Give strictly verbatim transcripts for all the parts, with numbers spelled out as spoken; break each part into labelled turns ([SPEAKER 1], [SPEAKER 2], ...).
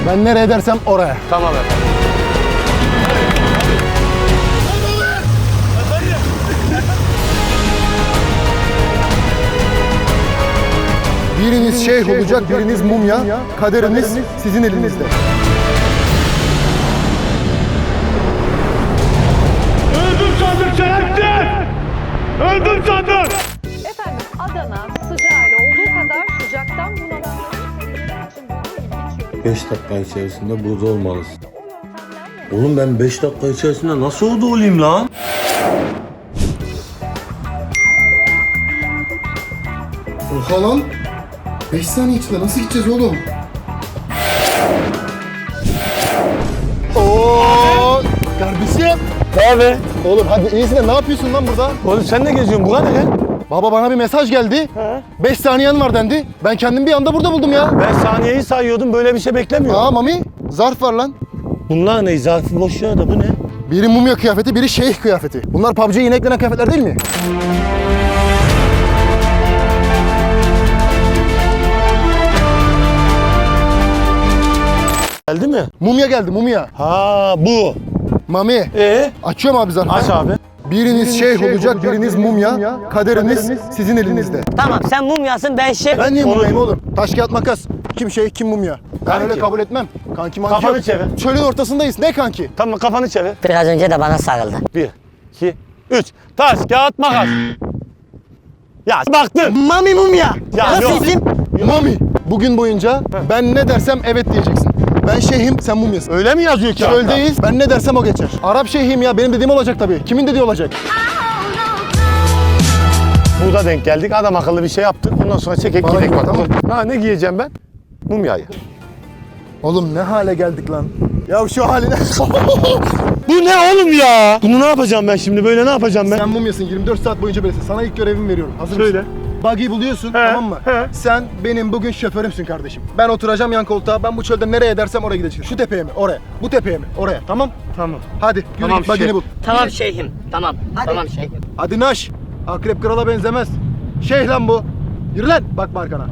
[SPEAKER 1] Ben nereye dersem oraya.
[SPEAKER 2] Tamam efendim.
[SPEAKER 1] Biriniz şeyh olacak, biriniz mumya. Kaderiniz sizin elinizde.
[SPEAKER 2] Öldüm sandım şerefsiz! Öldüm sandım!
[SPEAKER 3] Efendim Adana sıcağıyla olduğu kadar sıcaktan bunalımların seyirciler için bulunduğu ilginç yöntem.
[SPEAKER 4] beş dakika içerisinde burada olmalısın.
[SPEAKER 3] O yöntemler
[SPEAKER 4] Oğlum ben beş dakika içerisinde nasıl orada olayım lan?
[SPEAKER 1] Oha lan. beş saniye içinde nasıl gideceğiz oğlum? Oo kardeşim.
[SPEAKER 2] Ne abi?
[SPEAKER 1] Oğlum hadi iyisin de ne yapıyorsun lan burada?
[SPEAKER 2] Oğlum sen ne geziyorsun? Buna ne?
[SPEAKER 1] Baba bana bir mesaj geldi. beş saniyen var dendi. Ben kendimi bir anda burada buldum ya.
[SPEAKER 2] Ben saniyeyi sayıyordum, böyle bir şey beklemiyorum.
[SPEAKER 1] Aa Mami, zarf var lan.
[SPEAKER 2] Bunlar ne? Zarfı boş ya da bu ne?
[SPEAKER 1] Biri mumya kıyafeti, biri şeyh kıyafeti. Bunlar P U B G'ye yeni eklenen kıyafetler değil mi?
[SPEAKER 2] Geldi mi?
[SPEAKER 1] Mumya geldi, mumya.
[SPEAKER 2] Ha bu.
[SPEAKER 1] Mami,
[SPEAKER 2] Ee?
[SPEAKER 1] açıyorum abi zarfı.
[SPEAKER 2] Aç abi.
[SPEAKER 1] Biriniz şeyh olacak, biriniz mumya. Kaderiniz sizin elinizde.
[SPEAKER 5] Tamam sen mumyasın ben şey.
[SPEAKER 1] Ben niye
[SPEAKER 2] Onu-
[SPEAKER 1] mumyayım oğlum? Taş kağıt makas. Kim şeyh, kim mumya? Ben
[SPEAKER 2] Kanki.
[SPEAKER 1] öyle kabul etmem. Kanki manki
[SPEAKER 2] Kafanı
[SPEAKER 1] yok.
[SPEAKER 2] çevir.
[SPEAKER 1] Çölün ortasındayız. Ne kanki?
[SPEAKER 2] Tamam kafanı çevir.
[SPEAKER 5] Biraz önce de bana sarıldı.
[SPEAKER 2] Bir, iki, üç. Taş, kağıt, makas. Ya baktın.
[SPEAKER 5] Mami mumya.
[SPEAKER 2] Ya
[SPEAKER 5] Nasıl
[SPEAKER 2] yok.
[SPEAKER 5] isim?
[SPEAKER 1] Mami, bugün boyunca ben ne dersem evet diyeceksin. Ben şeyhim, sen mumyasın.
[SPEAKER 2] Öyle mi yazıyor kağıtta?
[SPEAKER 1] Çöldeyiz, ben ne dersem o geçer. Arap şeyhim ya, benim dediğim olacak tabii. Kimin dediği olacak?
[SPEAKER 2] Burada denk geldik. Adam akıllı bir şey yaptık. Ondan sonra çekek
[SPEAKER 1] Bana
[SPEAKER 2] gidek
[SPEAKER 1] göre,
[SPEAKER 2] bakalım.
[SPEAKER 1] tamam.
[SPEAKER 2] Ha ne giyeceğim ben? Mumyayı.
[SPEAKER 1] Oğlum ne hale geldik lan? Ya şu haline...
[SPEAKER 2] Bu ne oğlum ya? Bunu ne yapacağım ben şimdi? Böyle ne yapacağım ben?
[SPEAKER 1] Sen mumyasın, yirmi dört saat boyunca böylesin. Sana ilk görevimi veriyorum. Hazır
[SPEAKER 2] Söyle.
[SPEAKER 1] mısın? Buggy'i buluyorsun,
[SPEAKER 2] He,
[SPEAKER 1] tamam mı?
[SPEAKER 2] he.
[SPEAKER 1] Sen benim bugün şoförümsün kardeşim. Ben oturacağım yan koltuğa, ben bu çölde nereye dersem oraya gideceğim. Şu tepeye mi? Oraya. Bu tepeye mi? Oraya. Tamam?
[SPEAKER 2] Tamam.
[SPEAKER 1] Hadi, yürü
[SPEAKER 2] Tamam,
[SPEAKER 1] git buggy'ni
[SPEAKER 2] şey-
[SPEAKER 1] bul.
[SPEAKER 5] Tamam şeyhim. Tamam. Tamam şeyhim.
[SPEAKER 1] Hadi naş. Akrep krala benzemez. Şeyh lan bu. Yürü lan, bakma arkana.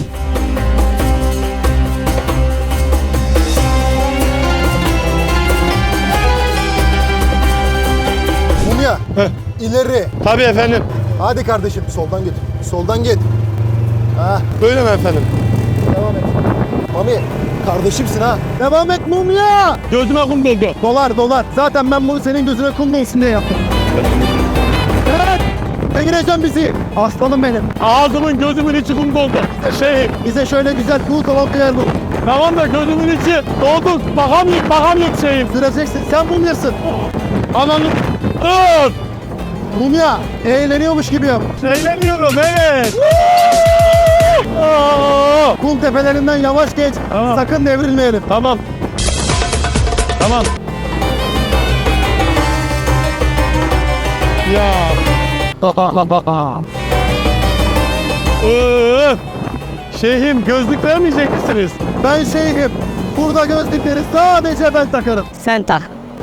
[SPEAKER 1] Mumya, ileri.
[SPEAKER 2] Tabii efendim.
[SPEAKER 1] Hadi kardeşim, soldan git. Soldan git. Ha,
[SPEAKER 2] Böyle mi efendim?
[SPEAKER 1] devam et. Mami, kardeşimsin ha. Devam et mumya.
[SPEAKER 2] Gözüme kum doldu.
[SPEAKER 1] Dolar, dolar. Zaten ben bunu senin gözüne kum dolsun diye yaptım. Evet. Ne gireceğim bizi? Aslanım benim.
[SPEAKER 2] Ağzımın gözümün içi kum doldu. Şey,
[SPEAKER 1] Bize şöyle güzel cool kaval kıyar bu.
[SPEAKER 2] tamam da gözümün içi doldu. Bakamıyorum, bakamıyorum şeyim.
[SPEAKER 1] Süreceksin. Sen mumyasın.
[SPEAKER 2] Ananı... Dur!
[SPEAKER 1] Mumya, eğleniyormuş gibi yap.
[SPEAKER 2] Eğleniyorum, evet. Aa!
[SPEAKER 1] Kum tepelerinden yavaş geç.
[SPEAKER 2] Tamam.
[SPEAKER 1] Sakın devrilmeyelim.
[SPEAKER 2] Tamam. Tamam. Ya. Öf! Şeyhim gözlük vermeyecek misiniz?
[SPEAKER 1] Ben şeyhim. Burada gözlükleri sadece ben takarım.
[SPEAKER 5] Sen tak.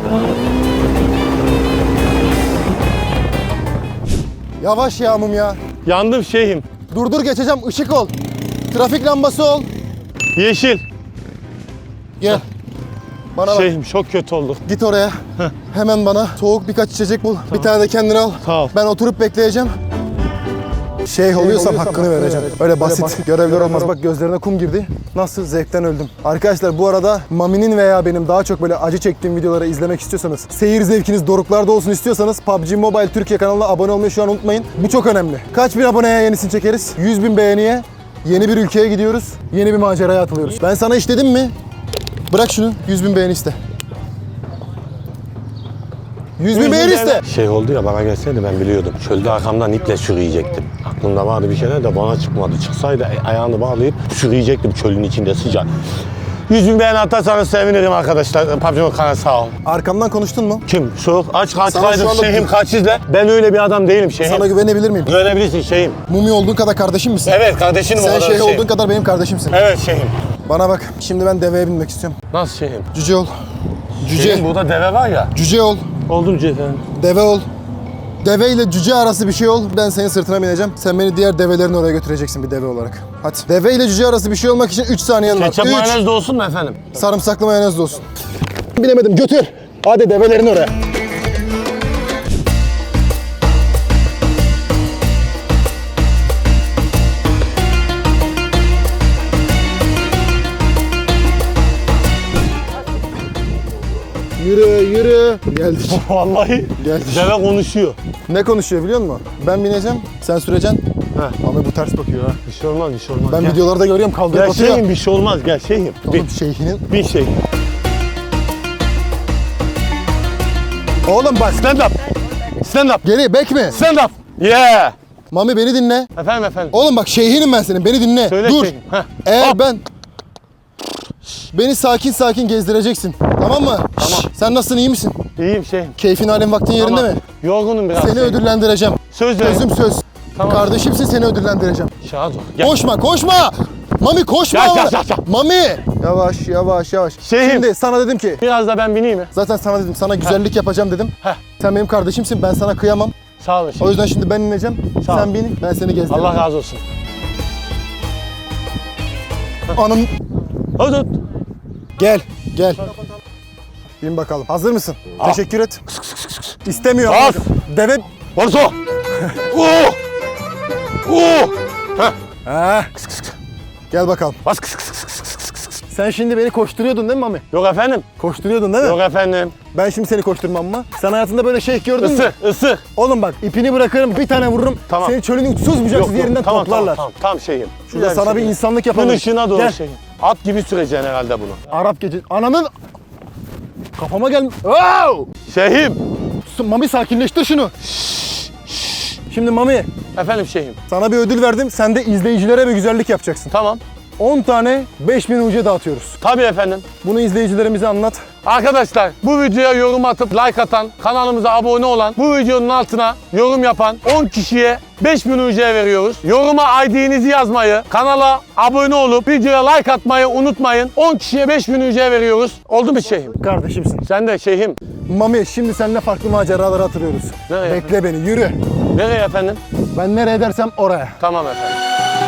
[SPEAKER 1] Yavaş ya mumya.
[SPEAKER 2] Yandım şeyhim.
[SPEAKER 1] Durdur geçeceğim. Işık ol. Trafik lambası ol.
[SPEAKER 2] Yeşil.
[SPEAKER 1] Gel. Bana bak.
[SPEAKER 2] Şeyhim çok kötü oldu.
[SPEAKER 1] Git oraya. Hemen bana soğuk birkaç içecek bul. Bir tane de kendine al.
[SPEAKER 2] Sağ ol.
[SPEAKER 1] Ben oturup bekleyeceğim. Şeyh oluyorsam hakkını vereceğim. Öyle basit görevler olmaz. Bak gözlerine kum girdi. Nasıl zevkten öldüm. Arkadaşlar bu arada Mami'nin veya benim daha çok böyle acı çektiğim videoları izlemek istiyorsanız, seyir zevkiniz doruklarda olsun istiyorsanız P U B G Mobile Türkiye kanalına abone olmayı şu an unutmayın. Bu çok önemli. Kaç bin aboneye yenisini çekeriz? yüz bin beğeniye yeni bir ülkeye gidiyoruz. Yeni bir maceraya atılıyoruz. Ben sana iş dedim mi? Bırak şunu. yüz bin beğeni iste. yüz bin beğeni iste.
[SPEAKER 2] Şey oldu ya, bana gelseydi ben biliyordum. Çölde arkamdan iple sürüyecektim. Aklımda vardı bir şeyler de bana çıkmadı. Çıksaydı ayağını bağlayıp sürüyecektim çölün içinde sıcak. yüz bin beğeni atarsanız sevinirim arkadaşlar. P U B G kanalı sağ ol.
[SPEAKER 1] Arkamdan konuştun mu?
[SPEAKER 2] Kim? Soğuk. Aç kaç
[SPEAKER 1] Sana şu
[SPEAKER 2] kaydır
[SPEAKER 1] anda-
[SPEAKER 2] şeyhim kaç izle. Ben öyle bir adam değilim şeyhim.
[SPEAKER 1] Sana güvenebilir miyim?
[SPEAKER 2] Güvenebilirsin şeyhim.
[SPEAKER 1] Mumya olduğun kadar kardeşim misin?
[SPEAKER 2] Evet kardeşinim o
[SPEAKER 1] Sen
[SPEAKER 2] kadar
[SPEAKER 1] şeyh
[SPEAKER 2] şeyhim.
[SPEAKER 1] olduğun kadar benim kardeşimsin.
[SPEAKER 2] Evet şeyhim.
[SPEAKER 1] Bana bak. Şimdi ben deveye binmek istiyorum.
[SPEAKER 2] Nasıl şeyhim?
[SPEAKER 1] Cüce ol. Cüce.
[SPEAKER 2] Şeyhim burada deve var ya.
[SPEAKER 1] Cüce ol.
[SPEAKER 2] Oldum efendim.
[SPEAKER 1] Deve ol. Deve ile cüce arası bir şey ol. Ben senin sırtına bineceğim. Sen beni diğer develerin oraya götüreceksin bir deve olarak. Hadi. Deve ile cüce arası bir şey olmak için üç saniyen var.
[SPEAKER 2] Ketçap
[SPEAKER 1] üç.
[SPEAKER 2] mayonez de olsun mu efendim?
[SPEAKER 1] Sarımsaklı mayonez de olsun. Bilemedim. Götür. Hadi develerin oraya. Yürü yürü. Geldik.
[SPEAKER 2] Vallahi
[SPEAKER 1] Geldik.
[SPEAKER 2] deve konuşuyor.
[SPEAKER 1] Ne konuşuyor biliyor musun? Ben bineceğim, sen süreceksin.
[SPEAKER 2] Heh.
[SPEAKER 1] Ama bu ters bakıyor ha.
[SPEAKER 2] Bir şey olmaz, bir şey olmaz.
[SPEAKER 1] Ben
[SPEAKER 2] Gel.
[SPEAKER 1] videolarda görüyorum kaldırıp
[SPEAKER 2] Gel
[SPEAKER 1] atıyor.
[SPEAKER 2] şeyhim, bir şey olmaz. Gel şeyhim. Bir,
[SPEAKER 1] Oğlum şeyhinin...
[SPEAKER 2] bir şey.
[SPEAKER 1] Oğlum bak.
[SPEAKER 2] Stand up. Stand up.
[SPEAKER 1] Geri bek mi?
[SPEAKER 2] Stand up. Yeah.
[SPEAKER 1] Mami beni dinle.
[SPEAKER 2] Efendim efendim.
[SPEAKER 1] Oğlum bak şeyhinim ben senin, beni dinle.
[SPEAKER 2] Söyle
[SPEAKER 1] Dur.
[SPEAKER 2] şeyhim. Heh.
[SPEAKER 1] Eğer
[SPEAKER 2] Hop.
[SPEAKER 1] ben... Beni sakin sakin gezdireceksin. Tamam mı?
[SPEAKER 2] Tamam.
[SPEAKER 1] Şşş, sen nasılsın, iyi misin?
[SPEAKER 2] İyiyim şeyhim.
[SPEAKER 1] Keyfin halin vaktin yerinde
[SPEAKER 2] Tamam.
[SPEAKER 1] mi?
[SPEAKER 2] Yorgunum biraz.
[SPEAKER 1] Seni
[SPEAKER 2] şeyhim.
[SPEAKER 1] ödüllendireceğim.
[SPEAKER 2] Söz ver.
[SPEAKER 1] Sözüm söz.
[SPEAKER 2] Tamam.
[SPEAKER 1] Kardeşimsin, seni ödüllendireceğim.
[SPEAKER 2] Şahit ol. Gel.
[SPEAKER 1] Koşma, koşma! Mami koşma!
[SPEAKER 2] Gel, gel, gel, gel.
[SPEAKER 1] Mami! Yavaş, yavaş, yavaş.
[SPEAKER 2] Şeyhim.
[SPEAKER 1] Şimdi sana dedim ki,
[SPEAKER 2] Biraz da ben bineyim mi?
[SPEAKER 1] zaten sana dedim, sana güzellik yapacağım dedim.
[SPEAKER 2] Heh.
[SPEAKER 1] Sen benim kardeşimsin, ben sana kıyamam.
[SPEAKER 2] Sağ olun
[SPEAKER 1] O
[SPEAKER 2] şeyhim.
[SPEAKER 1] yüzden şimdi ben ineceğim,
[SPEAKER 2] Sağ ol.
[SPEAKER 1] sen bin, ben seni gezdireceğim.
[SPEAKER 2] Allah razı olsun.
[SPEAKER 1] Anam...
[SPEAKER 2] Hadi hadi.
[SPEAKER 1] Gel, gel. Bin bakalım. Hazır mısın?
[SPEAKER 2] Ah.
[SPEAKER 1] Teşekkür et. İstemiyor.
[SPEAKER 2] Bas.
[SPEAKER 1] Deve...
[SPEAKER 2] Varso. Oo. Oo. Heh.
[SPEAKER 1] Ha. Gel bakalım.
[SPEAKER 2] Bas kıs kıs kıs kıs kıs kıs kıs.
[SPEAKER 1] Sen şimdi beni koşturuyordun değil mi Mami?
[SPEAKER 2] Yok efendim.
[SPEAKER 1] Koşturuyordun değil mi?
[SPEAKER 2] Yok efendim.
[SPEAKER 1] Ben şimdi seni koşturmam mı? Sen hayatında böyle şeyh gördün mü?
[SPEAKER 2] Isır, ısır.
[SPEAKER 1] Oğlum bak ipini bırakırım, bir tane vururum.
[SPEAKER 2] Tamam.
[SPEAKER 1] Seni çölün uçsuz bucaksız yerinden
[SPEAKER 2] tamam,
[SPEAKER 1] toplarlar.
[SPEAKER 2] Tamam, tamam, tam şeyim.
[SPEAKER 1] Şurada
[SPEAKER 2] Güzel
[SPEAKER 1] sana bir
[SPEAKER 2] şey.
[SPEAKER 1] insanlık
[SPEAKER 2] Gün
[SPEAKER 1] yapalım.
[SPEAKER 2] ışığına doğru
[SPEAKER 1] Gel.
[SPEAKER 2] şeyim. At gibi süreceksin herhalde bunu.
[SPEAKER 1] Arap gece... Ananın... Kafama gel... Wow!
[SPEAKER 2] Şeyhim.
[SPEAKER 1] Mami sakinleştir şunu. Şimdi Mami,
[SPEAKER 2] Efendim şeyhim.
[SPEAKER 1] sana bir ödül verdim. Sen de izleyicilere bir güzellik yapacaksın.
[SPEAKER 2] Tamam.
[SPEAKER 1] on tane beş bin uca dağıtıyoruz.
[SPEAKER 2] Tabii efendim.
[SPEAKER 1] Bunu izleyicilerimize anlat.
[SPEAKER 2] Arkadaşlar bu videoya yorum atıp like atan, kanalımıza abone olan, bu videonun altına yorum yapan on kişiye beş bin U C veriyoruz. Yoruma I D'nizi yazmayı, kanala abone olup videoya like atmayı unutmayın. on kişiye beş bin U C veriyoruz. Oldu mu şeyhim?
[SPEAKER 1] Kardeşimsin.
[SPEAKER 2] Sen de şeyhim.
[SPEAKER 1] Mami şimdi seninle farklı maceralara atılıyoruz.
[SPEAKER 2] Nereye?
[SPEAKER 1] Bekle beni, yürü.
[SPEAKER 2] Nereye efendim?
[SPEAKER 1] Ben nereye dersem oraya.
[SPEAKER 2] Tamam efendim.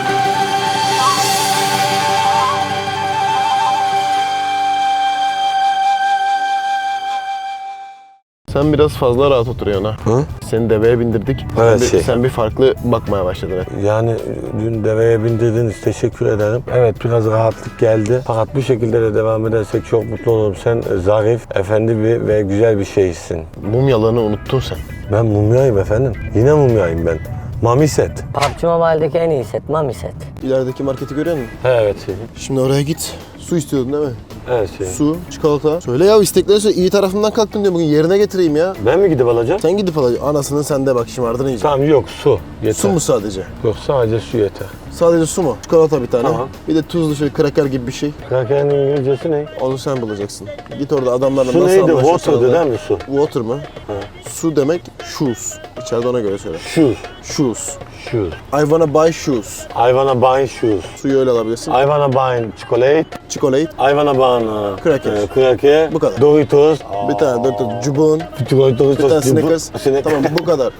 [SPEAKER 6] Sen biraz fazla rahat oturuyorsun ha.
[SPEAKER 2] Hı?
[SPEAKER 6] Seni deveye bindirdik.
[SPEAKER 2] Evet,
[SPEAKER 6] sen, bir,
[SPEAKER 2] şey.
[SPEAKER 6] sen bir farklı bakmaya başladın.
[SPEAKER 2] Yani dün deveye bindirdiniz. Teşekkür ederim. Evet biraz rahatlık geldi. Fakat bu şekilde de devam edersek çok mutlu olurum. Sen zarif, efendi bir ve güzel bir şeysin.
[SPEAKER 6] Mumyalarını unuttun sen.
[SPEAKER 2] Ben mumyayım efendim. Yine mumyayım ben. Mami set.
[SPEAKER 5] P U B G Mobile'deki en iyi set, Mami set.
[SPEAKER 6] İlerideki marketi görüyor musun?
[SPEAKER 2] He, evet şeyim.
[SPEAKER 6] Şimdi oraya git. Su istiyordun değil mi?
[SPEAKER 2] Evet şeyim.
[SPEAKER 6] Su, çikolata. Söyle ya istekleri söyle. İyi tarafından kalktın diyor bugün. Yerine getireyim ya.
[SPEAKER 2] Ben mi gidip alacağım?
[SPEAKER 6] Sen gidip alacaksın. Anasının sende bak şımardın iyice.
[SPEAKER 2] Tamam yok su. Yeter.
[SPEAKER 6] Su mu sadece?
[SPEAKER 2] Yok sadece su yeter.
[SPEAKER 6] Sadece su mu? Çikolata bir tane.
[SPEAKER 2] Tamam.
[SPEAKER 6] Bir de tuzlu şöyle kraker gibi bir şey.
[SPEAKER 2] Kraker'in İngilizcesi ne?
[SPEAKER 6] Onu sen bulacaksın. Git orada adamlarla
[SPEAKER 2] Su
[SPEAKER 6] nasıl
[SPEAKER 2] neydi?
[SPEAKER 6] anlaşırsan
[SPEAKER 2] Water'dı
[SPEAKER 6] anlaş.
[SPEAKER 2] değil mi su?
[SPEAKER 6] Water mı? Su demek shoes. İçeride ona göre söyle.
[SPEAKER 2] Shoes.
[SPEAKER 6] Shoes.
[SPEAKER 2] Shoes.
[SPEAKER 6] I wanna buy shoes.
[SPEAKER 2] I wanna buy shoes.
[SPEAKER 6] Suyu öyle alabilirsin.
[SPEAKER 2] I wanna buy chocolate.
[SPEAKER 6] Chocolate.
[SPEAKER 2] I wanna buy uh,
[SPEAKER 6] Cracker.
[SPEAKER 2] e, cracker.
[SPEAKER 6] Bu kadar.
[SPEAKER 2] Doritos.
[SPEAKER 6] Bir tane dört cubun.
[SPEAKER 2] Doritos.
[SPEAKER 6] Bir tane Snickers.
[SPEAKER 2] Snickers.
[SPEAKER 6] Tamam bu kadar.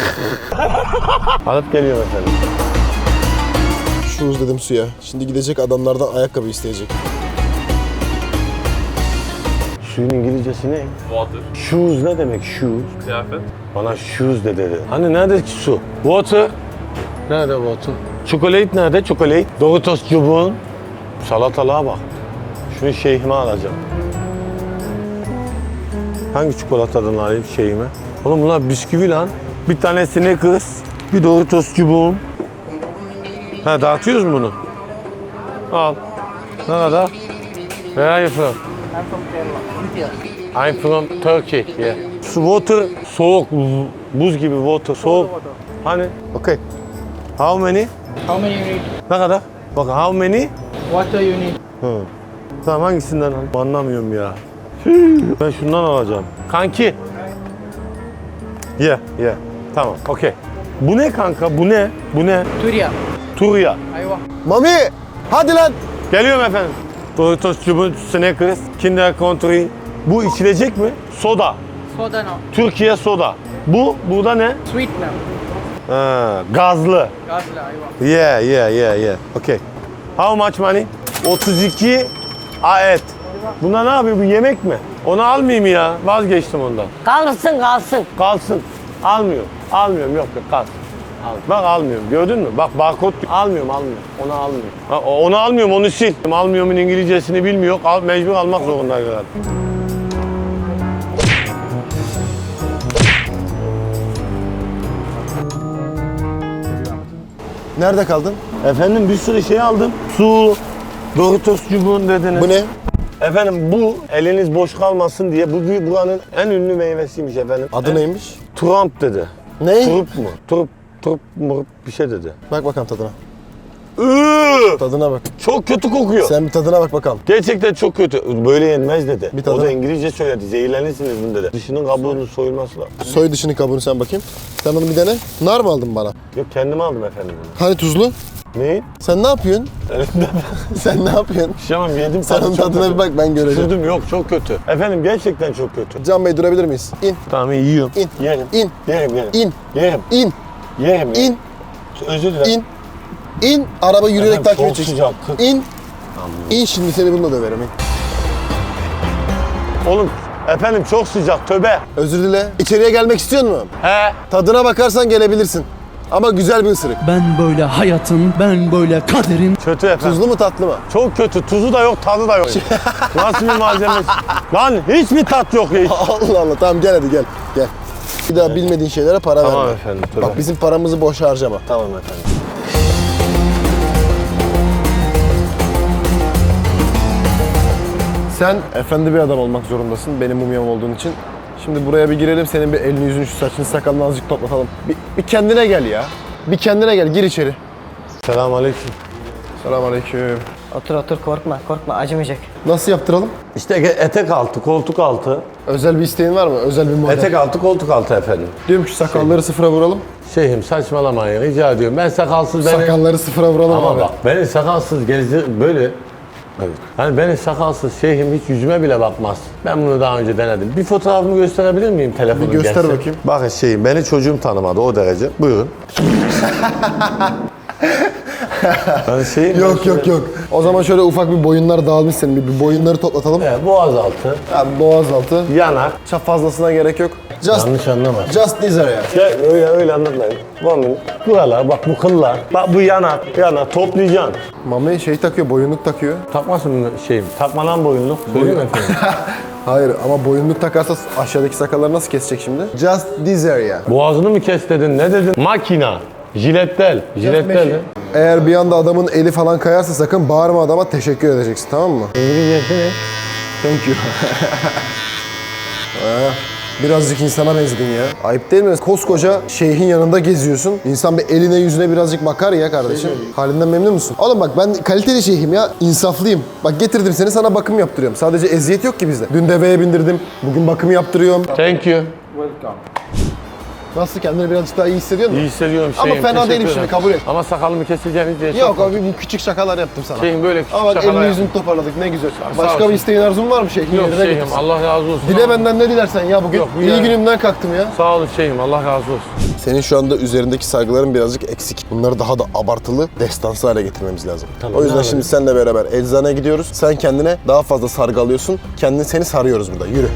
[SPEAKER 2] Alıp geliyorum efendim.
[SPEAKER 6] Shoes dedim suya. Şimdi gidecek adamlardan ayakkabı isteyecek.
[SPEAKER 2] Suyun İngilizcesi ne? Water. Shoes ne demek shoes? Kıyafet. Bana shoes de dedi. Hani nerede ki su? Water. Nerede water? Chocolate nerede? Chocolate. Doritos çubuğun. Salatalığa bak. Şunu şeyhime alacağım. Hangi çikolatadan alayım şeyhime? Oğlum bunlar bisküvi lan. Bir tane Snickers, bir Doritos çubuğum. Ha dağıtıyoruz mu bunu? Al. Ne kadar? Where are you from? I'm from Turkey. Yeah. Water soğuk, buz gibi water soğuk. Hani? Okay. How many?
[SPEAKER 7] How many you need?
[SPEAKER 2] Ne kadar? Bak how many?
[SPEAKER 7] Water you need?
[SPEAKER 2] Hı. Tamam hangisinden al? Anlamıyorum ya. Ben şundan alacağım. Kanki. Yeah, yeah. Tamam, okay. Bu ne kanka? Bu ne? Bu ne?
[SPEAKER 7] Turiya.
[SPEAKER 2] Turya.
[SPEAKER 7] Ayva.
[SPEAKER 1] Mami! Hadi lan!
[SPEAKER 2] Geliyorum efendim. Doritos çubuğu, Snickers, Kinder Country. Bu içilecek mi? Soda.
[SPEAKER 7] Soda no.
[SPEAKER 2] Türkiye soda. Bu, bu da ne?
[SPEAKER 7] Sweet now.
[SPEAKER 2] Ha, gazlı.
[SPEAKER 7] Gazla, ayva.
[SPEAKER 2] Yeah, yeah, yeah, yeah. Okay. How much money? otuz iki aet. Buna ne yapıyor? Bu yemek mi? Onu almayayım ya. Vazgeçtim ondan.
[SPEAKER 5] Kalsın kalsın.
[SPEAKER 2] Kalsın. Almıyorum. Almıyorum. Yok yok kalsın. Al. Bak almıyorum. Gördün mü? Bak barkod. Almıyorum almıyorum. Onu almıyorum. Ha, onu almıyorum. Onu sil. Almıyorumun İngilizcesini bilmiyor. Al, mecbur almak zorunda herhalde.
[SPEAKER 1] Nerede kaldın?
[SPEAKER 2] Efendim bir sürü şey aldım. Su, Doritos çubuğun dediniz.
[SPEAKER 6] Bu ne?
[SPEAKER 2] Efendim bu eliniz boş kalmasın diye bu bir buranın en ünlü meyvesiymiş efendim.
[SPEAKER 6] Adı
[SPEAKER 2] En-
[SPEAKER 6] neymiş?
[SPEAKER 2] Trump dedi.
[SPEAKER 6] Ne?
[SPEAKER 2] Turp mu? Turp, turp mu? Bir şey dedi.
[SPEAKER 6] Bak bakalım tadına.
[SPEAKER 2] Iıı!
[SPEAKER 6] Tadına bak.
[SPEAKER 2] Çok kötü kokuyor.
[SPEAKER 6] Sen bir tadına bak bakalım.
[SPEAKER 2] Gerçekten çok kötü. Böyle yenmez dedi.
[SPEAKER 6] Bir tadına.
[SPEAKER 2] O da İngilizce söyledi. Zehirlenirsiniz bunu dedi. Dışının kabuğunun soyulması lazım.
[SPEAKER 6] Soy dışını kabuğunu sen bakayım. Sen onu bir dene. Nar mı aldın bana?
[SPEAKER 2] Yok kendim aldım efendim bunu.
[SPEAKER 6] Hani tuzlu?
[SPEAKER 2] Neyi?
[SPEAKER 6] Sen ne yapıyorsun? Sen ne yapıyorsun?
[SPEAKER 2] Şamam yedim.
[SPEAKER 6] Sen
[SPEAKER 2] tadı
[SPEAKER 6] onun
[SPEAKER 2] çok
[SPEAKER 6] tadına
[SPEAKER 2] kötü.
[SPEAKER 6] bir bak, ben göreceğim.
[SPEAKER 2] Sürdüm yok çok kötü. Efendim gerçekten çok kötü.
[SPEAKER 6] Can Bey durabilir miyiz? İn,
[SPEAKER 2] Tamam yiyorum.
[SPEAKER 6] in,
[SPEAKER 2] Yerim.
[SPEAKER 6] in,
[SPEAKER 2] Yerim yerim.
[SPEAKER 6] in,
[SPEAKER 2] Yerim.
[SPEAKER 6] in,
[SPEAKER 2] Yerim.
[SPEAKER 6] in,
[SPEAKER 2] Özür dilerim.
[SPEAKER 6] in. İn, araba yürüyerek
[SPEAKER 2] Efendim,
[SPEAKER 6] takip
[SPEAKER 2] çok
[SPEAKER 6] edeceksin.
[SPEAKER 2] sıcak, kırk-
[SPEAKER 6] İn, in şimdi seni bununla döverim. in.
[SPEAKER 2] Oğlum efendim çok sıcak töbe.
[SPEAKER 6] Özür dile. İçeriye gelmek istiyor musun?
[SPEAKER 2] He.
[SPEAKER 6] Tadına bakarsan gelebilirsin. Ama güzel bir ısırık.
[SPEAKER 8] Ben böyle hayatın, ben böyle kaderin.
[SPEAKER 2] Kötü efendim.
[SPEAKER 6] Tuzlu mu tatlı mı?
[SPEAKER 2] Çok kötü. Tuzu da yok, tadı da yok. Nasıl bir malzemesi? Lan hiç mi tat yok ya?
[SPEAKER 6] Allah Allah, tamam gel hadi gel. Gel. Bir daha bilmediğin şeylere para
[SPEAKER 2] Tamam
[SPEAKER 6] verme.
[SPEAKER 2] efendim, tabii.
[SPEAKER 6] Bak bizim paramızı boş harcama.
[SPEAKER 2] Tamam efendim.
[SPEAKER 6] Sen efendi bir adam olmak zorundasın benim mumyam olduğun için. Şimdi buraya bir girelim, senin bir elini yüzünü şu saçını sakalını azıcık toplatalım. Bir, bir kendine gel ya. Bir kendine gel, gir içeri.
[SPEAKER 2] Selamünaleyküm.
[SPEAKER 6] Selamünaleyküm.
[SPEAKER 5] Otur otur korkma korkma acımayacak.
[SPEAKER 6] Nasıl yaptıralım?
[SPEAKER 2] İşte etek altı, koltuk altı.
[SPEAKER 6] Özel bir isteğin var mı? Özel bir model.
[SPEAKER 2] Etek altı, koltuk altı efendim.
[SPEAKER 6] Diyorum ki sakalları sıfıra vuralım.
[SPEAKER 2] Şeyhim saçmalamayın rica ediyorum. Ben sakalsız beni...
[SPEAKER 6] Sakalları sıfıra vuralım
[SPEAKER 2] Ama
[SPEAKER 6] abi.
[SPEAKER 2] bak beni sakalsız gezdir böyle... Evet. Hani beni sakalsız şeyhim hiç yüzüme bile bakmaz. Ben bunu daha önce denedim. Bir fotoğrafımı gösterebilir miyim telefonu?
[SPEAKER 6] Bir göster
[SPEAKER 2] gelse?
[SPEAKER 6] bakayım.
[SPEAKER 2] Bakın şeyim beni çocuğum tanımadı o derece. Buyurun. Ben şeyim
[SPEAKER 6] Yok yok yok. O zaman şöyle ufak bir boyunlar dağılmış senin. Bir, bir boyunları toplatalım.
[SPEAKER 2] Evet, boğaz altı,
[SPEAKER 6] Yani boğaz altı.
[SPEAKER 2] yanak.
[SPEAKER 6] Çok fazlasına gerek yok. Just,
[SPEAKER 2] Yanlış anlama.
[SPEAKER 6] just this area.
[SPEAKER 2] Ya öyle öyle anlatmayın. Bakın buralar bak bu kıllar. Bak bu yanak, yanak toplayacaksın.
[SPEAKER 6] Mami şey takıyor, boyunluk takıyor.
[SPEAKER 2] Takmasın mı şeyim? Takmadan boyunluk. Söyleyeyim mi efendim?
[SPEAKER 6] Hayır ama boyunluk takarsa aşağıdaki sakalları nasıl kesecek şimdi? Just this area.
[SPEAKER 2] Boğazını mı kes dedin? Ne dedin? Makina. Jilettel. Jilettel. mi?
[SPEAKER 6] Eğer bir anda adamın eli falan kayarsa sakın bağırma adama, teşekkür edeceksin, tamam mı?
[SPEAKER 2] İngilizcesi ne?
[SPEAKER 6] Thank you. Ha, birazcık insana benzedin ya. Ayıp değil mi? Koskoca şeyhin yanında geziyorsun. İnsan bir eline yüzüne birazcık bakar ya kardeşim. Halinden memnun musun? Oğlum bak ben kaliteli şeyhim ya. İnsaflıyım. Bak getirdim seni, sana bakım yaptırıyorum. Sadece eziyet yok ki bizde. Dün deveye bindirdim. Bugün bakım yaptırıyorum.
[SPEAKER 2] Thank you.
[SPEAKER 6] Nasıl, kendini birazcık daha iyi hissediyor musun?
[SPEAKER 2] İyi hissediyorum
[SPEAKER 6] Ama
[SPEAKER 2] şeyim.
[SPEAKER 6] fena
[SPEAKER 2] teşekkür
[SPEAKER 6] değilim
[SPEAKER 2] ederim.
[SPEAKER 6] şimdi, kabul et.
[SPEAKER 2] Ama sakalımı keseceğiniz diye
[SPEAKER 6] Yok
[SPEAKER 2] çok-
[SPEAKER 6] abi, bu küçük şakalar yaptım sana.
[SPEAKER 2] Şeyim böyle küçük
[SPEAKER 6] Ama bak
[SPEAKER 2] şakalar
[SPEAKER 6] elini
[SPEAKER 2] yap-
[SPEAKER 6] yüzünü toparladık, ne güzel.
[SPEAKER 2] sağ
[SPEAKER 6] Başka
[SPEAKER 2] olsun.
[SPEAKER 6] bir isteğin arzun var mı şeyhin
[SPEAKER 2] Yok
[SPEAKER 6] yerine
[SPEAKER 2] şeyim
[SPEAKER 6] getirsin?
[SPEAKER 2] Allah razı olsun.
[SPEAKER 6] Dile benden ne dilersen ya, bugün
[SPEAKER 2] Yok, bu
[SPEAKER 6] iyi
[SPEAKER 2] ya.
[SPEAKER 6] günümden kalktım ya.
[SPEAKER 2] Sağ olun şeyim Allah razı olsun.
[SPEAKER 6] Senin şu anda üzerindeki sargıların birazcık eksik. Bunları daha da abartılı, destansı hale getirmemiz lazım.
[SPEAKER 2] Tamam,
[SPEAKER 6] o yüzden
[SPEAKER 2] ne
[SPEAKER 6] şimdi seninle beraber eczaneye gidiyoruz. Sen kendine daha fazla sargı alıyorsun. Kendini, seni sarıyoruz burada. Yürü.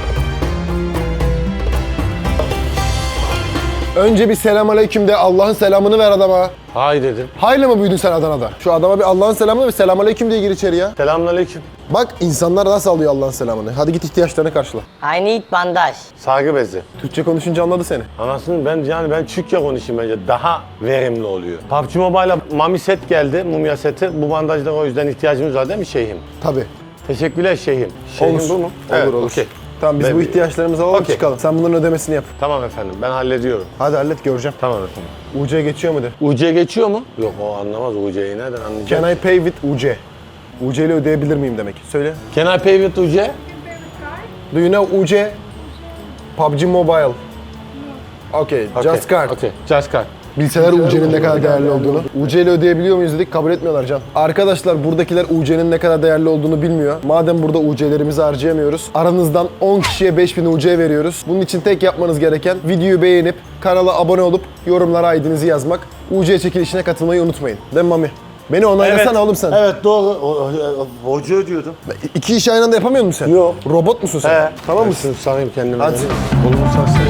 [SPEAKER 6] Önce bir selamünaleyküm de, Allah'ın selamını ver adama.
[SPEAKER 2] Hay dedim.
[SPEAKER 6] Hayırlı mı büyüdün sen Adana'da? Şu adama bir Allah'ın selamını ver, selamünaleyküm diye gir içeri ya.
[SPEAKER 2] Selamünaleyküm.
[SPEAKER 6] Bak insanlar nasıl alıyor Allah'ın selamını. Hadi git ihtiyaçlarını karşıla.
[SPEAKER 5] I need bandaj.
[SPEAKER 2] Sargı bezi.
[SPEAKER 6] Türkçe konuşunca anladı seni.
[SPEAKER 2] Anasını ben yani ben Türkçe konuşayım bence daha verimli oluyor. P U B G Mobile'a Mami set geldi, mumya seti. Bu bandajlara o yüzden ihtiyacımız var değil mi şeyhim?
[SPEAKER 6] Tabii.
[SPEAKER 2] Teşekkürler şeyhim. Şeyhim
[SPEAKER 6] Olur.
[SPEAKER 2] bu mu?
[SPEAKER 6] Olur,
[SPEAKER 2] Evet,
[SPEAKER 6] olur.
[SPEAKER 2] okey.
[SPEAKER 6] Tamam biz
[SPEAKER 2] Ben-
[SPEAKER 6] bu ihtiyaçlarımızı alalım,
[SPEAKER 2] Okey.
[SPEAKER 6] çıkalım. Sen bunların ödemesini yap.
[SPEAKER 2] Tamam efendim ben hallediyorum.
[SPEAKER 6] Hadi hallet, göreceğim.
[SPEAKER 2] Tamam efendim.
[SPEAKER 6] U C geçiyor mu de.
[SPEAKER 2] U C geçiyor mu? Yok o anlamaz U C'yi nereden anlayacak?
[SPEAKER 6] Can I pay with U C? U C ile ödeyebilir miyim demek. Söyle.
[SPEAKER 2] Can I pay with U C?
[SPEAKER 6] Do you know U C? P U B G Mobile. Okay,
[SPEAKER 2] Okay,
[SPEAKER 6] just card.
[SPEAKER 2] Okay, just card.
[SPEAKER 6] Bilseler U C'nin ne kadar değerli olduğunu. U C ile ödeyebiliyor muyuz dedik, kabul etmiyorlar Can. Arkadaşlar buradakiler U C'nin ne kadar değerli olduğunu bilmiyor. Madem burada U C'lerimizi harcayamıyoruz, aranızdan on kişiye beş bin U C veriyoruz. Bunun için tek yapmanız gereken videoyu beğenip, kanala abone olup, yorumlara I D'nizi yazmak. U C çekilişine katılmayı unutmayın. Değil mi Mami? Beni onaylasana oğlum sen.
[SPEAKER 2] Evet doğru. O- o- Hoca ödüyordum.
[SPEAKER 6] İki işi aynı anda yapamıyor musun sen?
[SPEAKER 2] Yok.
[SPEAKER 6] Robot musun sen?
[SPEAKER 2] He.
[SPEAKER 6] Tamam
[SPEAKER 2] Ben
[SPEAKER 6] mısın?
[SPEAKER 2] şunu sarayım kendime.
[SPEAKER 6] Hadi.
[SPEAKER 2] Kolumu sarsın.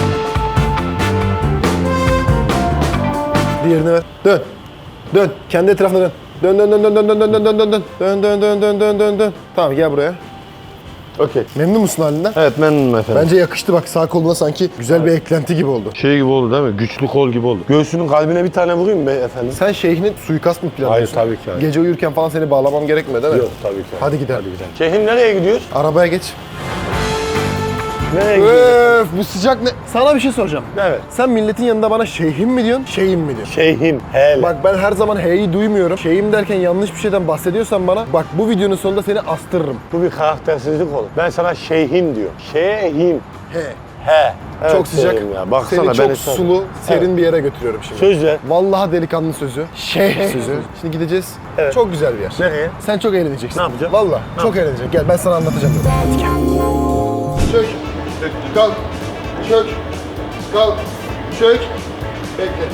[SPEAKER 6] Diğerini ver. Dön. Dön. Kendi etrafına dön. Dön dön dön dön dön dön dön dön dön dön dön. Dön dön dön dön dön dön dön. Tamam gel buraya.
[SPEAKER 2] Okey.
[SPEAKER 6] Memnun musun halinden?
[SPEAKER 2] Evet memnunum efendim.
[SPEAKER 6] Bence yakıştı bak, sağ koluna sanki güzel bir eklenti gibi oldu.
[SPEAKER 2] Şey gibi oldu değil mi? Güçlü kol gibi oldu. Göğsünün kalbine bir tane vurayım mı efendim?
[SPEAKER 6] Sen şeyhine suikast mı planlıyorsun?
[SPEAKER 2] Hayır, tabii ki hayır.
[SPEAKER 6] Gece uyurken falan seni bağlamam gerekmiyor değil mi?
[SPEAKER 2] Yok tabii ki.
[SPEAKER 6] Hadi gidelim.
[SPEAKER 2] Şeyhim nereye gidiyoruz?
[SPEAKER 6] Arabaya geç.
[SPEAKER 2] Nereye gidiyoruz?
[SPEAKER 6] Öf bu sıcak ne? Sana bir şey soracağım.
[SPEAKER 2] Evet.
[SPEAKER 6] Sen milletin yanında bana şeyhim mi diyorsun, şeyim mi diyorsun?
[SPEAKER 2] Şeyhim, hele.
[SPEAKER 6] Bak ben her zaman he'yi duymuyorum. Şeyim derken yanlış bir şeyden bahsediyorsan bana, bak bu videonun sonunda seni astırırım.
[SPEAKER 2] Bu bir karaktersizlik olur. Ben sana şeyhim diyorum. Şeyhim.
[SPEAKER 6] He.
[SPEAKER 2] He. Evet,
[SPEAKER 6] Çok sıcak.
[SPEAKER 2] şeyhim Ya. Baksana
[SPEAKER 6] Seni çok
[SPEAKER 2] beni-
[SPEAKER 6] sulu, serin bir yere götürüyorum şimdi.
[SPEAKER 2] Söz ver.
[SPEAKER 6] Vallahi delikanlı sözü. Şeyh sözü. Şimdi gideceğiz.
[SPEAKER 2] Evet.
[SPEAKER 6] Çok güzel bir yer.
[SPEAKER 2] Nereye?
[SPEAKER 6] Sen çok eğleneceksin.
[SPEAKER 2] Ne yapacağım?
[SPEAKER 6] Vallahi çok eğleneceksin. Gel ben sana anlatacağım. Hadi gel. Çök. Kalk. Çök. Kalk. Çök. Bekle.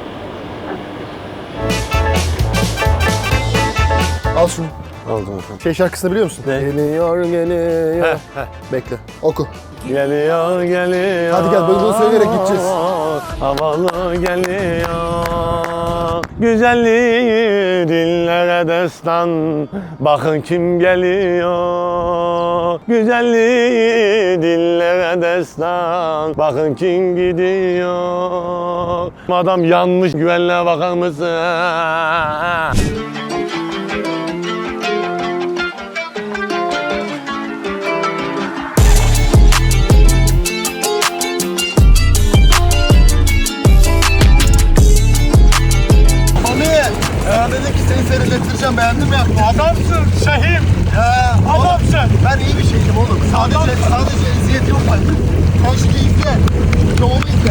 [SPEAKER 6] Al şunu.
[SPEAKER 2] Aldım efendim.
[SPEAKER 6] Şey şarkısını biliyor musun?
[SPEAKER 2] Ne?
[SPEAKER 6] Geliyor geliyor.
[SPEAKER 2] Heh, heh.
[SPEAKER 6] Bekle. Oku.
[SPEAKER 2] Geliyor, geliyor.
[SPEAKER 6] Hadi gel, böyle bunu söyleyerek gideceğiz.
[SPEAKER 2] Havalı geliyor. Güzelliği dillere destan. Bakın kim geliyor. Güzelliği dillere destan. Bakın kim gidiyor. Adam yanmış, güvenliğe bakar mısın?
[SPEAKER 6] Mami! Ya dedik ki seni seyrettireceğim, beğendin mi yaptın?
[SPEAKER 2] Adamsın Şehim.
[SPEAKER 6] Ya,
[SPEAKER 2] Adamsın.
[SPEAKER 6] ben iyi bir şeydim oğlum. Sadece, sadece eziyet yok bende. Sen şu keyifle. Şu yolu izle.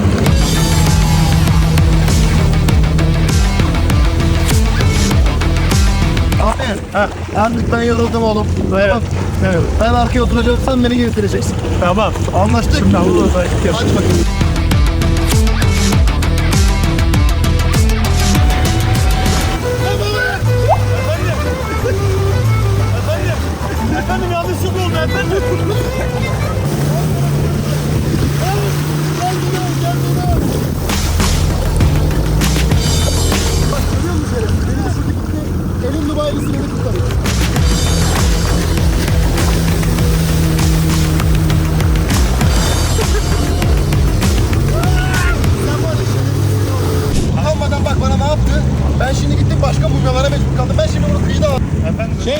[SPEAKER 6] Abi, artık ben yoruldum oğlum.
[SPEAKER 2] Evet. Evet.
[SPEAKER 6] Ben arkaya oturacağım, sen beni getireceksin.
[SPEAKER 2] Tamam.
[SPEAKER 6] Anlaştık. Şimdi
[SPEAKER 2] Hadi
[SPEAKER 6] bakayım.
[SPEAKER 2] Efendim yanlışlık oldu efendim.
[SPEAKER 6] Elin Dubai'lisi beni kurtarıyor. Utanmadan bak bana ne yaptı? Ben şimdi gittim başka bulgalara mecbur kaldım. Ben şimdi bunu kıyıda aldım. Efendim? Şey...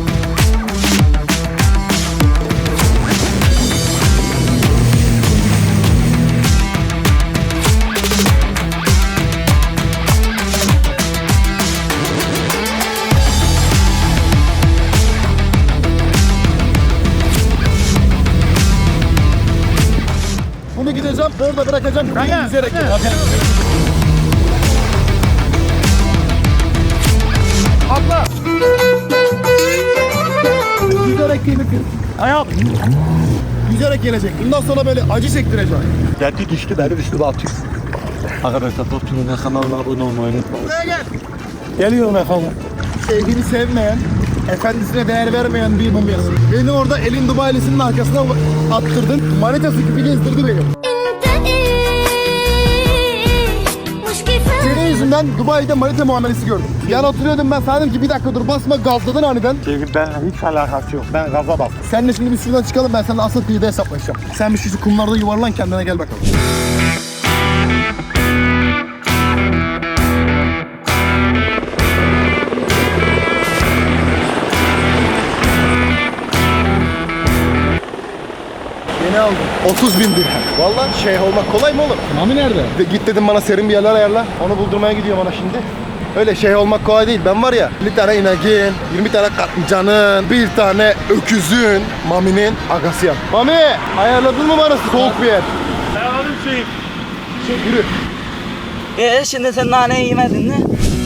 [SPEAKER 6] Bunu gideceğim, orada bırakacağım. Ben yüzerek. Atla. Yüzerek gelir. Ayağım. Yüzerek gelecek. Bundan sonra böyle acı çektireceğim.
[SPEAKER 4] Geldi düştü benim üstüme atıyor. Arkadaşlar Topçu'nun kanalına abone olmayı unutmayın.
[SPEAKER 6] Buraya gel.
[SPEAKER 4] Geliyorum efendim.
[SPEAKER 6] Sevdiğini sevmeyen, efendisine değer vermeyen bir mumyası. Beni orada elin Dubai'lisinin arkasına attırdın. Manitası gibi gezdirdi beni. Senin yüzünden Dubai'de manita muamelesi gördüm. Yan oturuyordum, ben sana dedim ki bir dakika dur basma, gazladın aniden.
[SPEAKER 4] Çünkü benimle hiç alakası yok. Ben gaza bastım.
[SPEAKER 6] Seninle şimdi biz şuradan çıkalım, ben seninle asıl kıyıda hesaplaşacağım. Sen bir şu kumlarda yuvarlan, kendine gel bakalım. Yeni aldım. otuz bin dirhem. Vallahi şeyh olmak kolay mı oğlum?
[SPEAKER 1] Mami nerede?
[SPEAKER 6] De git dedim bana serin bir yerler ayarla. Onu buldurmaya gidiyorum ona şimdi. Öyle şey olmak kolay değil. Ben var ya bir tane ineğin, yirmi tane katlıcanın, bir tane öküzün, Mami'nin agasıyım. Mami ayarladın mı bana soğuk bir yer?
[SPEAKER 2] Ayarladım Şehim.
[SPEAKER 6] Şey, yürü.
[SPEAKER 9] Ee şimdi sen naneyi yemedin mi?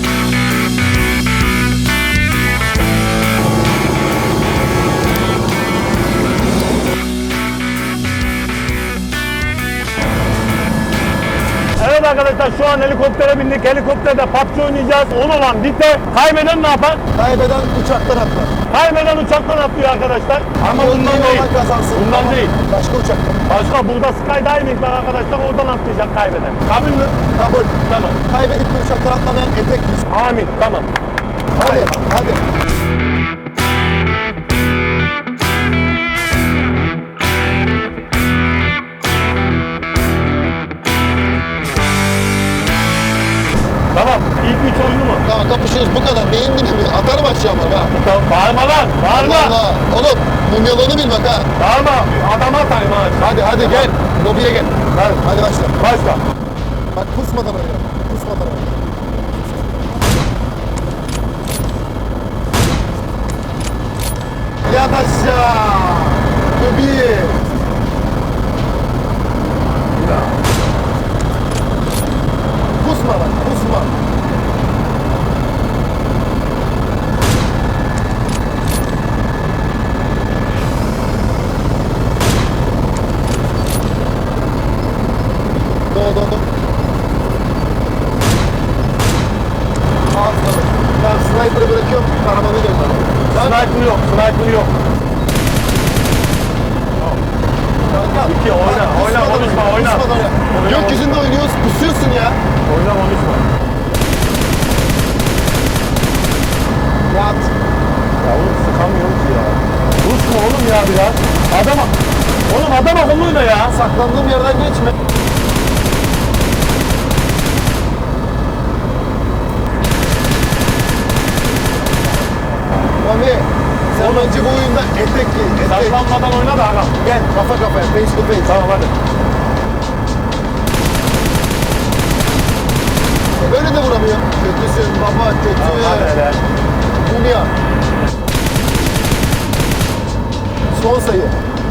[SPEAKER 2] Evet arkadaşlar şu an helikoptere bindik. Helikopterde P U B G oynayacağız. on olan bitti. Kaybeden ne yapar?
[SPEAKER 1] Kaybeden uçaktan atlar.
[SPEAKER 2] Kaybeden uçaktan atlıyor arkadaşlar. Ama
[SPEAKER 1] Ama
[SPEAKER 2] bundan değil.
[SPEAKER 1] kazansın.
[SPEAKER 2] Bundan değil.
[SPEAKER 1] Başka uçaktan.
[SPEAKER 2] Başka burada skydiving var arkadaşlar. Oradan atlayacak kaybeden. Kabul mü?
[SPEAKER 1] Kabul.
[SPEAKER 2] Tamam.
[SPEAKER 1] Kaybedip bir uçaktan atlamayan etek giysin.
[SPEAKER 2] Amin. Tamam.
[SPEAKER 1] Hadi, hadi.
[SPEAKER 2] Tamam. İlk üç oyunu mu?
[SPEAKER 6] Tamam kapışıyoruz bu kadar. Neyin gibi mi? Atarım aşağı bak ha.
[SPEAKER 2] Tamam. Bağırma lan. Bağırma.
[SPEAKER 6] Allah. Oğlum mumyalarını bil bak ha.
[SPEAKER 2] Bağırma. Adama atayım ha.
[SPEAKER 6] Hadi hadi gel. Lobiye gel.
[SPEAKER 2] Hadi.
[SPEAKER 6] Hadi başla.
[SPEAKER 2] Başla.
[SPEAKER 6] Bak pusmadan oyna. Pusmadan oyna. Yat aşağı. Lobiye. Pusma bak pusma. Do do do. Ağzına bak. Ben sniper'ı bırakıyorum. Karamanı gönder.
[SPEAKER 2] Sniper yok. Sniper yok. İki oyna. Oyna. Konuşma. Oyna.
[SPEAKER 6] Gökyüzünde oynuyoruz. Pusuyorsun ya.
[SPEAKER 2] Oyna. Konuşma.
[SPEAKER 6] Yat.
[SPEAKER 2] Ya oğlum sıkamıyorum ki ya. Dursun oğlum ya biraz. Adama. Oğlum adam akıllıyla ya.
[SPEAKER 6] Saklandığım yerden geçme. Mami, sen bence bu oyunda etek giy. Etek.
[SPEAKER 2] Saklanmadan oyna da adam.
[SPEAKER 6] Gel kafa kafaya, face to face.
[SPEAKER 2] Tamam hadi.
[SPEAKER 6] Böyle de vuramıyor. Kötüsün baba, kötü.
[SPEAKER 2] Tamam hadi hele.
[SPEAKER 6] Dünya. Son sayı.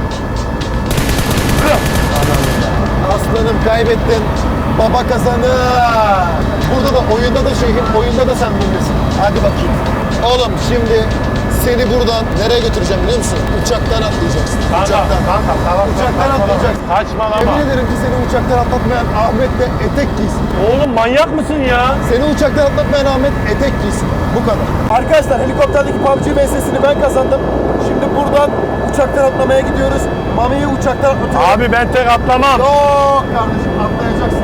[SPEAKER 6] Aslanım kaybettin. Baba kazanır. Burada da oyunda da şeyhin, oyunda da sen bilirsin. Hadi bakayım. Oğlum şimdi seni buradan nereye götüreceğim biliyor musun? Uçaktan atlayacaksın.
[SPEAKER 2] Kanka,
[SPEAKER 6] Uçaktan.
[SPEAKER 2] kanka, tamam.
[SPEAKER 6] Uçaktan
[SPEAKER 2] saçmalama.
[SPEAKER 6] atlayacaksın.
[SPEAKER 2] Saçmalama.
[SPEAKER 6] Yemin ederim ki seni uçaktan atlatmayan Ahmet de etek giysin.
[SPEAKER 2] Oğlum manyak mısın ya?
[SPEAKER 6] Seni uçaktan atlatmayan Ahmet etek giysin. Bu kadar.
[SPEAKER 1] Arkadaşlar helikopterdeki P U B G vs'sini ben kazandım. Şimdi buradan uçaktan atlamaya gidiyoruz. Mami'yi uçaktan atlatıyorum.
[SPEAKER 2] Abi ben tek atlamam.
[SPEAKER 6] Yok kardeşim atlayacaksın.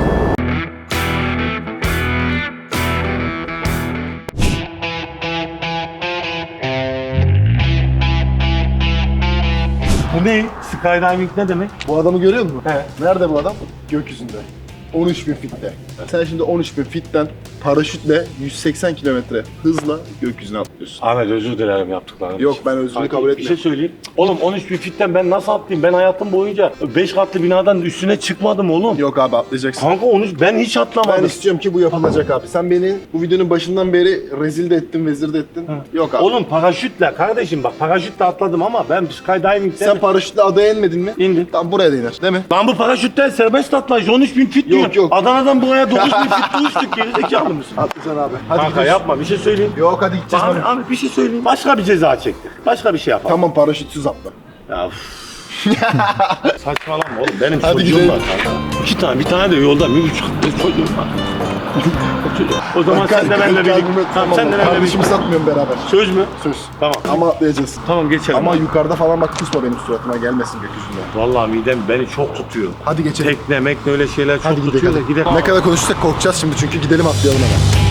[SPEAKER 2] Bu ne? Skydiving ne demek?
[SPEAKER 6] Bu adamı görüyor musun?
[SPEAKER 2] Evet.
[SPEAKER 6] Nerede bu adam? Gökyüzünde. on üç bin fitte. Sen şimdi on üç bin fitten paraşütle yüz seksen kilometre hızla gökyüzüne atlıyorsun.
[SPEAKER 2] Ahmet özür dilerim yaptıklarım
[SPEAKER 6] Yok,
[SPEAKER 2] için.
[SPEAKER 6] ben özrünü
[SPEAKER 2] Kanka,
[SPEAKER 6] kabul
[SPEAKER 2] Bir
[SPEAKER 6] etmiyorum.
[SPEAKER 2] şey söyleyeyim. Oğlum on üç bin fitten ben nasıl atlayayım? Ben hayatım boyunca beş katlı binadan üstüne çıkmadım oğlum.
[SPEAKER 6] Yok abi atlayacaksın.
[SPEAKER 2] Kanka on üç ben hiç atlamadım.
[SPEAKER 6] Ben istiyorum ki bu yapılacak abi. Sen beni bu videonun başından beri rezil de ettin, vezir de ettin. Yok abi.
[SPEAKER 2] Oğlum paraşütle kardeşim bak paraşütle atladım ama ben skydiving'den
[SPEAKER 6] Sen paraşütle adaya inmedin mi?
[SPEAKER 2] İndim.
[SPEAKER 6] Tam buraya da iner, değil mi?
[SPEAKER 2] Lan bu paraşütten serbest atlayış on üç bin fit
[SPEAKER 6] Yok,
[SPEAKER 2] diyor.
[SPEAKER 6] yok.
[SPEAKER 2] Adana'dan buraya dokuz bin fit uçtuk gerizekalı mısın?
[SPEAKER 6] Atlayacaksın abi. Hadi
[SPEAKER 2] Kanka
[SPEAKER 6] gidiyoruz.
[SPEAKER 2] yapma bir şey söyleyeyim.
[SPEAKER 6] Yok hadi gideceğiz.
[SPEAKER 2] Ahmet,
[SPEAKER 6] Abi.
[SPEAKER 2] Ahmet bir şey söyleyeyim. Başka bir ceza çektik. Başka bir şey yapalım.
[SPEAKER 6] Tamam paraşütsüz atla.
[SPEAKER 2] Ya üf. Saçmalama oğlum benim
[SPEAKER 6] Hadi
[SPEAKER 2] çocuğum
[SPEAKER 6] gidelim.
[SPEAKER 2] var kanka. İki tane bir tane de yolda bir buçuk çocuğum var. O zaman sen de benimle birlikte. Tamam, sen de benimle
[SPEAKER 6] Kardeşimi
[SPEAKER 2] birlikte.
[SPEAKER 6] satmıyorum beraber.
[SPEAKER 2] Söz mü?
[SPEAKER 6] Söz.
[SPEAKER 2] Tamam.
[SPEAKER 6] Ama atlayacağız.
[SPEAKER 2] Tamam geçelim.
[SPEAKER 6] Ama
[SPEAKER 2] Ama
[SPEAKER 6] yukarıda falan bak kusma benim suratıma gelmesin gökyüzünde.
[SPEAKER 2] vallahi midem beni çok tutuyor.
[SPEAKER 6] Hadi geçelim.
[SPEAKER 2] Tekne mekne öyle şeyler çok
[SPEAKER 6] Hadi gidelim.
[SPEAKER 2] tutuyor da gidelim.
[SPEAKER 6] Ne kadar konuşursak korkacağız şimdi çünkü gidelim atlayalım hemen.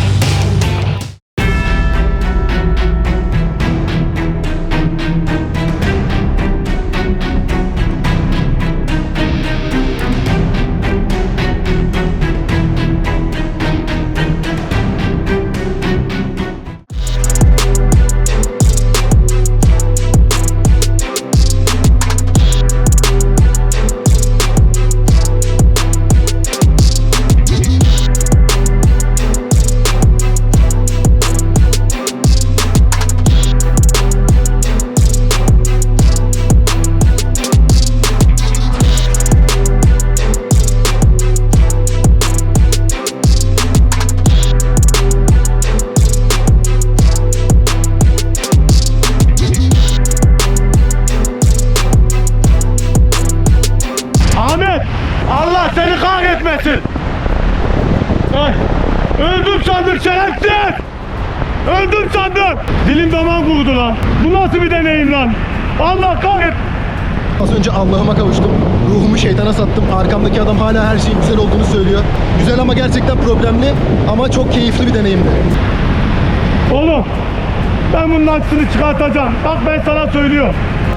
[SPEAKER 2] Öldüm sandım. Dilim damağım kurudu lan. Bu nasıl bir deneyim lan? Allah kahret.
[SPEAKER 1] Az önce Allah'ıma kavuştum. Ruhumu şeytana sattım. Arkamdaki adam hala her şeyin güzel olduğunu söylüyor. Güzel ama gerçekten problemli ama çok keyifli bir deneyimdi.
[SPEAKER 2] Oğlum ben bunun aksini çıkartacağım. Bak ben sana söylüyorum.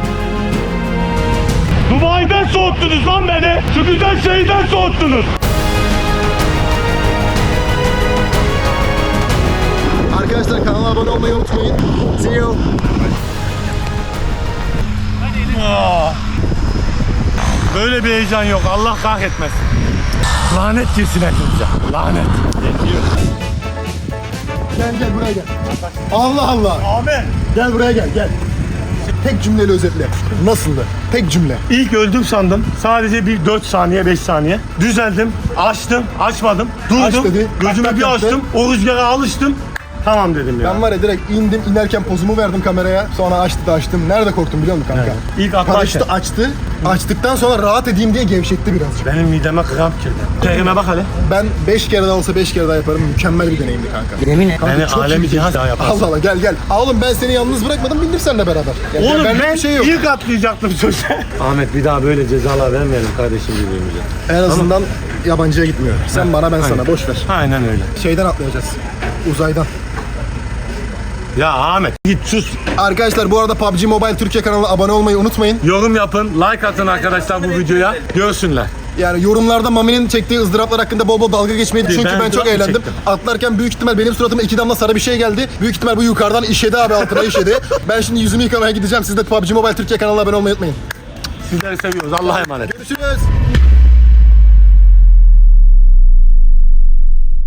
[SPEAKER 2] Dubai'den soğuttunuz lan beni. Şu güzel şehirden soğuttunuz.
[SPEAKER 1] Arkadaşlar kanala abone olmayı unutmayın. See you.
[SPEAKER 2] Böyle bir heyecan yok. Allah kahretmesin. Lanet girsin hepimize. Lanet.
[SPEAKER 1] Gel gel buraya gel. Allah Allah.
[SPEAKER 2] Ahmet.
[SPEAKER 1] Gel buraya gel gel. Tek cümleyle özetle. Nasıldı? Tek cümle.
[SPEAKER 2] İlk öldüm sandım. Sadece bir dört saniye, beş saniye. Düzeldim. Açtım. Açmadım. Durdum.
[SPEAKER 1] Aç dedi.
[SPEAKER 2] Gözümü
[SPEAKER 1] Tak tak
[SPEAKER 2] bir
[SPEAKER 1] yaptı.
[SPEAKER 2] açtım. O rüzgara alıştım. Tamam dedim ya.
[SPEAKER 1] Ben var ya direkt indim, inerken pozumu verdim kameraya. Sonra açtı da açtım. Nerede korktum biliyor musun kanka?
[SPEAKER 2] İlk atlarken.
[SPEAKER 1] Paraşütü açtı. Açtıktan sonra rahat edeyim diye gevşetti birazcık.
[SPEAKER 2] Benim mideme kramp girdi. Terime bak hele.
[SPEAKER 1] Ben beş kere daha olsa beş kere daha yaparım. Mükemmel bir deneyimdi kanka.
[SPEAKER 5] Yemin et.
[SPEAKER 1] Kanka
[SPEAKER 2] Beni
[SPEAKER 1] çok
[SPEAKER 2] alemi
[SPEAKER 1] iyi.
[SPEAKER 2] cihan daha yaparsın.
[SPEAKER 1] Allah Allah gel gel. Aa, oğlum ben seni yalnız bırakmadım, bindim seninle beraber. Gel, gel,
[SPEAKER 2] Oğlum
[SPEAKER 1] benlik
[SPEAKER 2] ben
[SPEAKER 1] bir şey yok.
[SPEAKER 2] ilk atlayacaktım söze. Ahmet bir daha böyle cezalar vermeyelim kardeşim birbirimize.
[SPEAKER 1] En azından yabancıya gitmiyor. Sen bana ben sana boş ver.
[SPEAKER 2] Aynen öyle.
[SPEAKER 1] Şeyden atlayacağız. Uzaydan.
[SPEAKER 2] Ya Ahmet git sus.
[SPEAKER 1] Arkadaşlar bu arada P U B G Mobile Türkiye kanalına abone olmayı unutmayın.
[SPEAKER 2] Yorum yapın, like atın arkadaşlar bu videoya. Görsünler.
[SPEAKER 1] Yani yorumlarda Mami'nin çektiği ızdıraplar hakkında bol bol dalga geçmeyi çünkü
[SPEAKER 2] Ben
[SPEAKER 1] ben, çok
[SPEAKER 2] ızdırap mı
[SPEAKER 1] eğlendim.
[SPEAKER 2] çektim?
[SPEAKER 1] Atlarken büyük ihtimal benim suratıma iki damla sarı bir şey geldi. Büyük ihtimal bu yukarıdan işedi abi, altına işedi. Ben şimdi yüzümü yıkamaya gideceğim. Siz de P U B G Mobile Türkiye kanalına abone olmayı unutmayın.
[SPEAKER 2] Sizleri seviyoruz. Allah'a emanet.
[SPEAKER 1] Görüşürüz.